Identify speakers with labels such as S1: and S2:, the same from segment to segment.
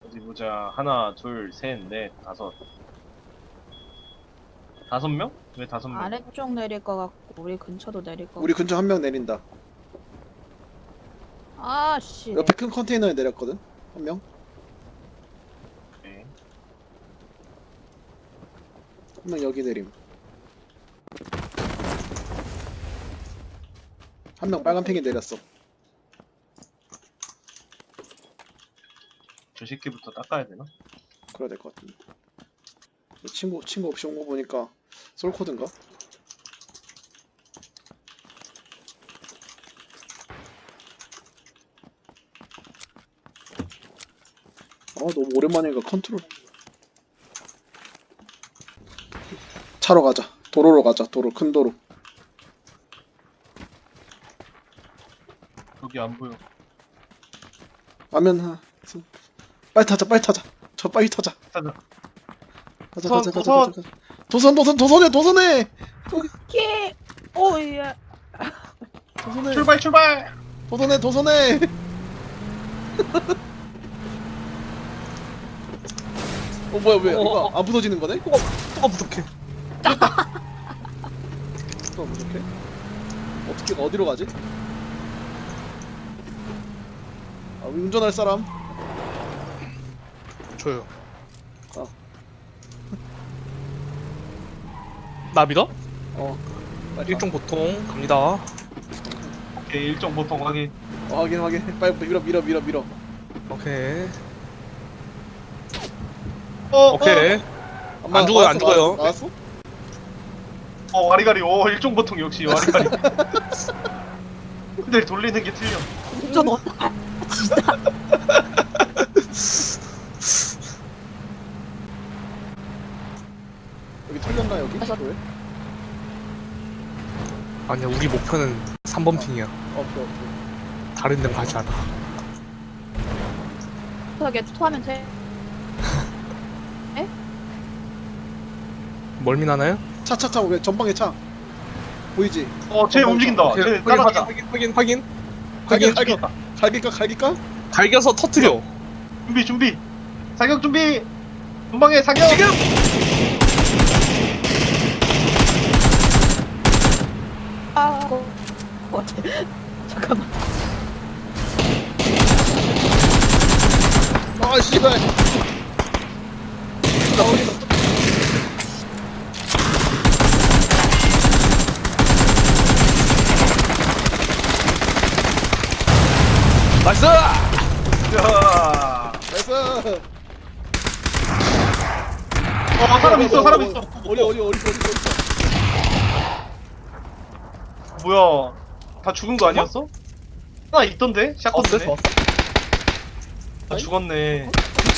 S1: 어디 보자. 하나, 둘, 셋, 넷, 다섯. 5명? 왜 5명?
S2: 아래쪽 내릴 것 같고 우리 근처도 내릴 것
S3: 우리 근처 한 명 내린다.
S2: 아씨
S3: 옆에 큰 컨테이너에 내렸거든. 한 명.
S1: 네.
S3: 한 명 여기 내림. 한 명 빨간 팽이 내렸어.
S1: 저 새끼부터 닦아야 되나?
S3: 그래야 될 것 같은데. 친구 없이 온 거 보니까 솔코드인가? 너무 오랜만이니까 컨트롤. 차로 가자. 도로로 가자. 도로 큰 도로.
S1: 여기 안 보여.
S3: 라면 빨리 타자. 빨리 타자. 저 빨리 타자.
S1: 가자.
S3: 가자.
S1: 도선!
S3: 도선해.
S2: 키 오예
S3: 도선해.
S1: 출발!
S3: 도선해. 뭐야 왜 이거 안 부서지는 거네?
S4: 뭐가 부족해.
S3: 또 부족해? 어떻게 어디로 가지? 우리 운전할 사람?
S4: 줘요.
S3: 어.
S4: 나 믿어?
S3: 빨리
S4: 일종 보통 갑니다.
S1: 오케이, 일정 보통 확인.
S3: 확인. 빨리 밀어.
S4: 오케이.
S1: 오케이.
S4: 안 죽어요.
S3: 나왔어?
S1: 와리가리. 일정 보통 역시 와리가리. 근데 돌리는 게 틀려.
S2: 운전 어떡해
S3: 여기 털렸나 여기?
S2: 그래서-
S3: 왜?
S4: 아니야, 우리 목표는 3번 핑이야.
S3: 오케이.
S4: 다른 데는 가지 않아.
S2: 어떻게 투하면 돼?
S4: 멀미나나요?
S3: 차 왜 전방에 차 보이지?
S1: 쟤 움직인다. 쟤 따라가자.
S4: 확인.
S3: 갈길까?
S4: 갈겨서 터트려.
S1: 준비. 사격 준비. 전방에 사격.
S4: 지금!
S2: 어때? 잠깐만
S3: 씨발.
S4: 나이스!
S1: 야.
S3: 나이스.
S1: 사람 있어.
S3: 어디
S1: 뭐야? 다 죽은 거 아니었어? 하나 있던데? 샷건데?
S4: 왔어?
S1: 다 죽었네.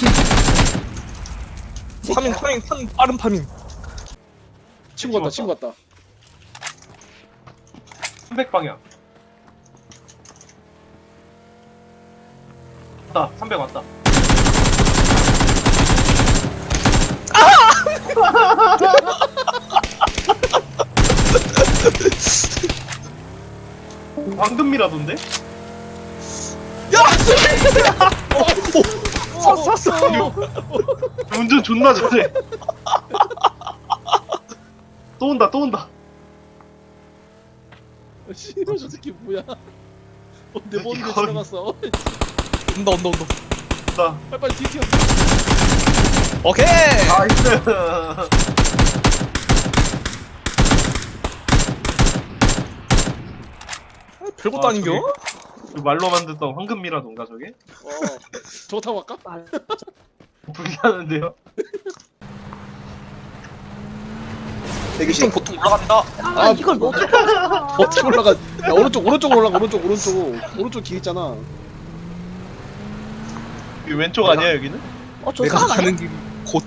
S4: 파밍, 빠른 파밍.
S3: 친구 같다.
S1: 300방향. 왔다. 300 왔다. 황금미라던데?
S4: 쐈어!
S1: 운전 존나 잘해. 또 온다.
S3: 씨발 저 새끼 뭐야? 내
S1: 새끼
S3: 머리에
S1: 거의-
S3: 지나갔어.
S4: 온다.
S1: 나.
S3: 빨리 뒤튀어.
S4: 오케이!
S1: 나이스.
S4: 별것도 아닌겨?
S1: 그 말로 만들던 황금미라던가 저게?
S3: 저거 타고 갈까?
S2: 말
S1: 불리하는데요?
S4: 일종 보통 올라간다.
S2: 이걸 못
S3: 어떻게 올라가? 야 오른쪽으로 올라가. 오른쪽 길 있잖아.
S1: 여기 왼쪽 아니야 여기는?
S2: 저
S4: 내가
S2: 사람 아니야?
S4: 가는 길 곧.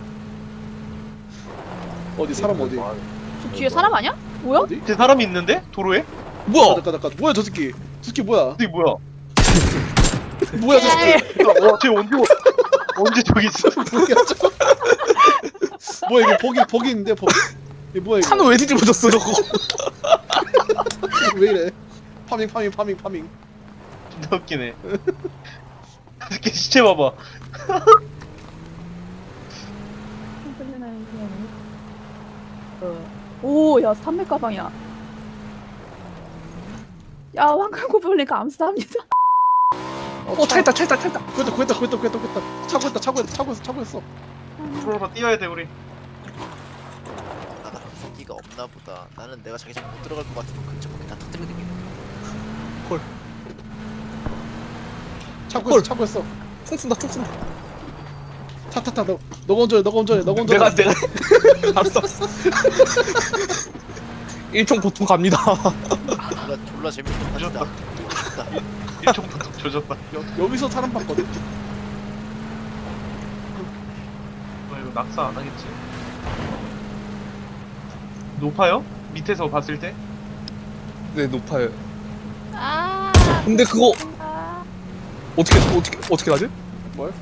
S3: 어디 사람 어디?
S2: 저 뒤에 사람 아니야? 뭐야?
S3: 어디?
S1: 제 사람이 있는데? 도로에?
S4: 뭐야?
S3: 잠깐. 뭐야 저 새끼? 저 새끼 뭐야?
S1: 어디 뭐야?
S3: 뭐야 저 새끼?
S1: 쟤 언제 저기 있어?
S3: 뭐야 저? 뭐야 이거 버기 있는데 버기? 이게 뭐야 이거?
S4: 차는 왜 뒤집어졌어, 저거?
S3: 왜 이래? 파밍.
S1: 존나 웃기네. 새끼 시체 봐봐.
S2: 오야 300 가방이야. 야 황금고블린 감사합니다.
S4: 차 있다.
S3: 구했다. 차고 했어.
S1: 프로로 뛰어야 돼 우리.
S5: 나가 새끼가 없나 보다. 나는 내가 자기장 못 들어갈 것 같으면 근처밖에 다 터뜨리고 다니네.
S3: 차고 했어.
S4: 총 쏜다.
S3: 타타타 너가 운전해.
S4: 내가 알았어. 일총 보통 갑니다.
S5: 졸라 재밌는
S1: 조졌다.
S5: 판이다. 뛰고 싶다.
S1: 일총부터 조졌다.
S3: 여기서 사람 봤거든.
S1: 이거 낙사 안 하겠지? 높아요? 밑에서 봤을 때?
S4: 네, 높아요.
S2: 아.
S4: 근데 그거
S2: 아.
S4: 어떻게 가지?
S3: 뭘?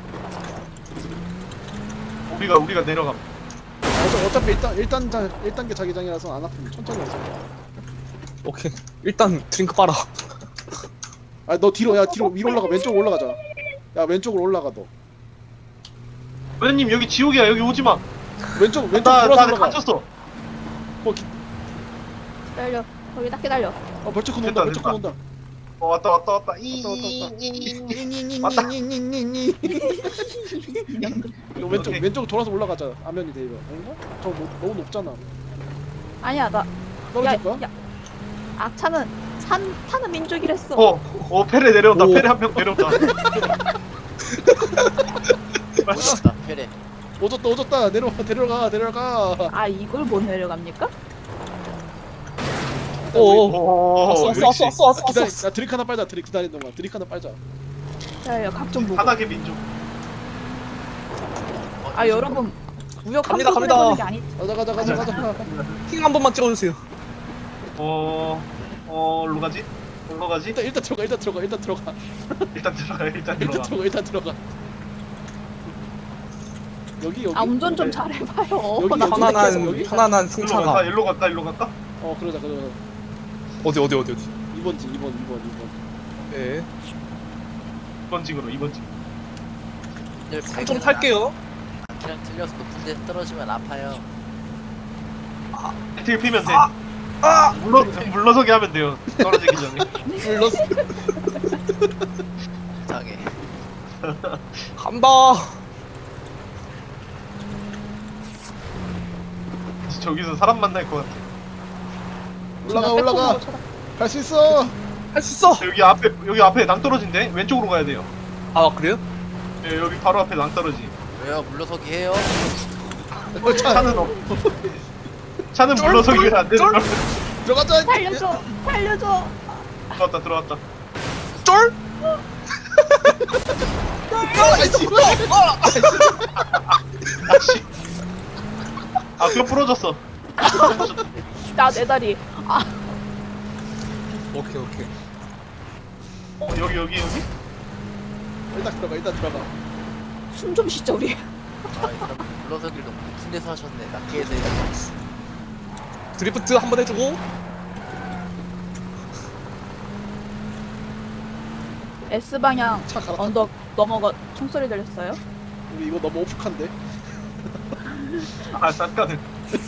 S1: 우리가 내려감.
S3: 어차피 1단계 자기장이라서 안 아프면 천천히 해서.
S4: 오케이. 일단 드링크 빨아.
S3: 아 너 뒤로 위로 올라가. 왼쪽으로 올라가자. 야 왼쪽으로 올라가 너.
S1: 회장님 여기 지옥이야. 여기 오지 마.
S3: 왼쪽
S1: 나
S3: 돌아서 올라가.
S1: 갇혔어.
S2: 기다려. 거기 딱 기다려.
S3: 벌쩍
S1: 됐다,
S3: 온다.
S1: 됐다.
S3: 온다.
S1: 왔다.
S3: 왔다. 이거
S1: 오케이.
S3: 왼쪽 돌아서 올라가자. 아면이 돼 이거. 아닌가? 저 너무 높잖아.
S2: 아니야 나.
S3: 떨어질 거야?
S2: 야. 악차는 타는 민족이랬어.
S1: 페레 내려온다.
S4: 오.
S1: 페레 한 명 내려온다.
S5: 멋있다. 페레.
S3: 오졌다. 내려가.
S2: 아 이걸 못 내려갑니까?
S4: 오. 왔어.
S3: 기다려. 나 드릭 하나 빨자. 기다리는 동안 드릭 하나 빨자.
S2: 기다려. 각좀 보고.
S1: 바닥의 민족.
S2: 아 여러분 무역
S4: 갑니다.
S2: 한국으로 해보는 게 아니.
S3: 가자.
S4: 킹 한 번만 찍어주세요.
S1: 일로 가지? 일로 가지?
S3: 일단 들어가.
S1: 일단 들어가.
S3: 여기.
S2: 아 운전 좀
S1: 네.
S2: 잘해봐요.
S3: 여기,
S2: 나
S3: 여기.
S4: 편안한
S1: 일로
S4: 승차가.
S1: 갈까? 일로 갈까?
S3: 그러자.
S4: 어디.
S3: 2번지.
S4: 네.
S1: 2번 징으로 2번 징.
S4: 좀 탈게요.
S5: 그냥 틀려서 높은 데서 떨어지면 아파요.
S1: 배틀 피면 돼. 물러서게 하면 돼요. 떨어지기 전에.
S3: 불렀어.
S5: 이상해.
S4: 간다.
S1: 저기서 사람 만날 것 같아.
S3: 올라가. 갈 수 있어.
S4: 할 수 있어.
S1: 여기 앞에 낭 떨어진대. 왼쪽으로 가야 돼요.
S4: 아 그래요?
S1: 네, 여기 바로 앞에 낭 떨어지.
S5: 왜요? 물러서기 해요.
S1: 차는 없. 차는 물러서기가 안 되는 걸.
S3: 들어가자.
S2: 살려줘.
S1: 들어왔다.
S4: 쫄?
S1: 아씨. 뼈 부러졌어.
S2: 나 내 다리.
S4: 오케이.
S1: 여기.
S3: 일단 들어가.
S2: 숨 좀 쉬자 우리.
S5: 아, 이 사람 물러서기를 너무 높은 데서 하셨네. 낮게 해서 해야지.
S4: 드리프트 한번 해주고.
S2: S 방향
S3: 차 갈아.
S2: 언덕 넘어가 총소리 들렸어요?
S3: 우리 이거 너무 오프한데.
S1: 싼가는.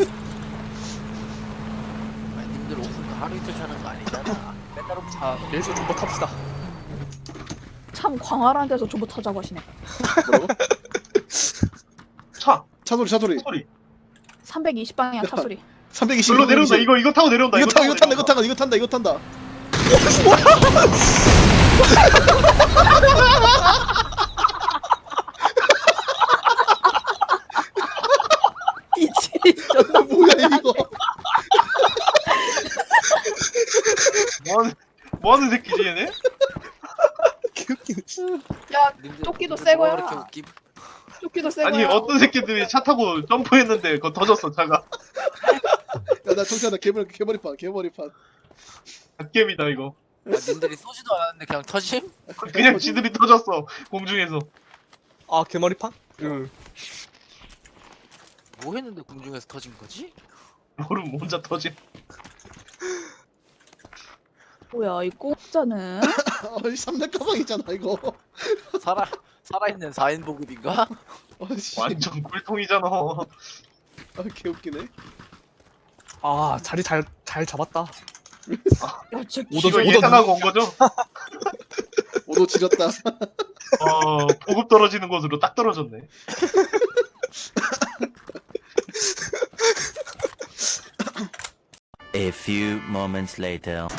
S5: 아니, 님들 오픈 하루 이틀 사는 거 아니잖아. 맨날 오픈.
S4: 자, 예수 좀 탑시다.
S2: 참 광활한 데서 조부 타자고 하시네.
S3: 뭐라고?
S1: 차
S3: 소리.
S2: 320 방향 차 소리.
S3: 320.
S1: 일로 내려온다. 이거 타고 내려온다.
S3: 이거 탄다.
S2: 미친 존나
S3: 뭐야 이거?
S1: 뭐하는 새끼지 얘네?
S4: 개웃기네.
S2: 야
S5: 님들
S2: 조끼도
S5: 님들
S2: 새
S5: 뭐가
S2: 거야.
S5: 그렇게 웃김?
S2: 조끼도 새
S1: 아니
S2: 거야.
S1: 어떤 새끼들이 차 타고 점프했는데 그거 터졌어 차가.
S3: 야나 정찬아 개머리판.
S1: 갓겜이다 이거.
S5: 아, 님들이 쏘지도 않았는데 그냥 터짐?
S1: 그냥 지들이 터졌어 공중에서.
S4: 아 개머리판? 응.
S5: 뭐 했는데 공중에서 터진 거지?
S1: 모름 혼자 터진.
S2: 뭐야 이 공짜는?
S3: 3대 가방이잖아 이거.
S5: 살아있는 4인 보급인가?
S3: 아씨.
S1: 완전 꿀통이잖아.
S3: 아 개웃기네.
S4: 아 자리 잘 잡았다.
S2: 야, 쟤
S4: 오더
S1: 이거
S4: 오더
S1: 예상하고 온 거죠?
S3: 오도 지렸다.
S1: 보급 떨어지는 곳으로 딱 떨어졌네.
S6: A few moments later.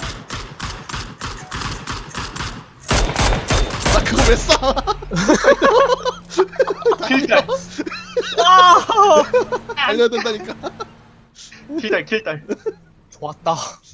S3: 나 그거 왜 쏴?
S1: 킬딸,
S3: 알려야 된다니까.
S1: 킬딸, 킬딸.
S4: 좋았다.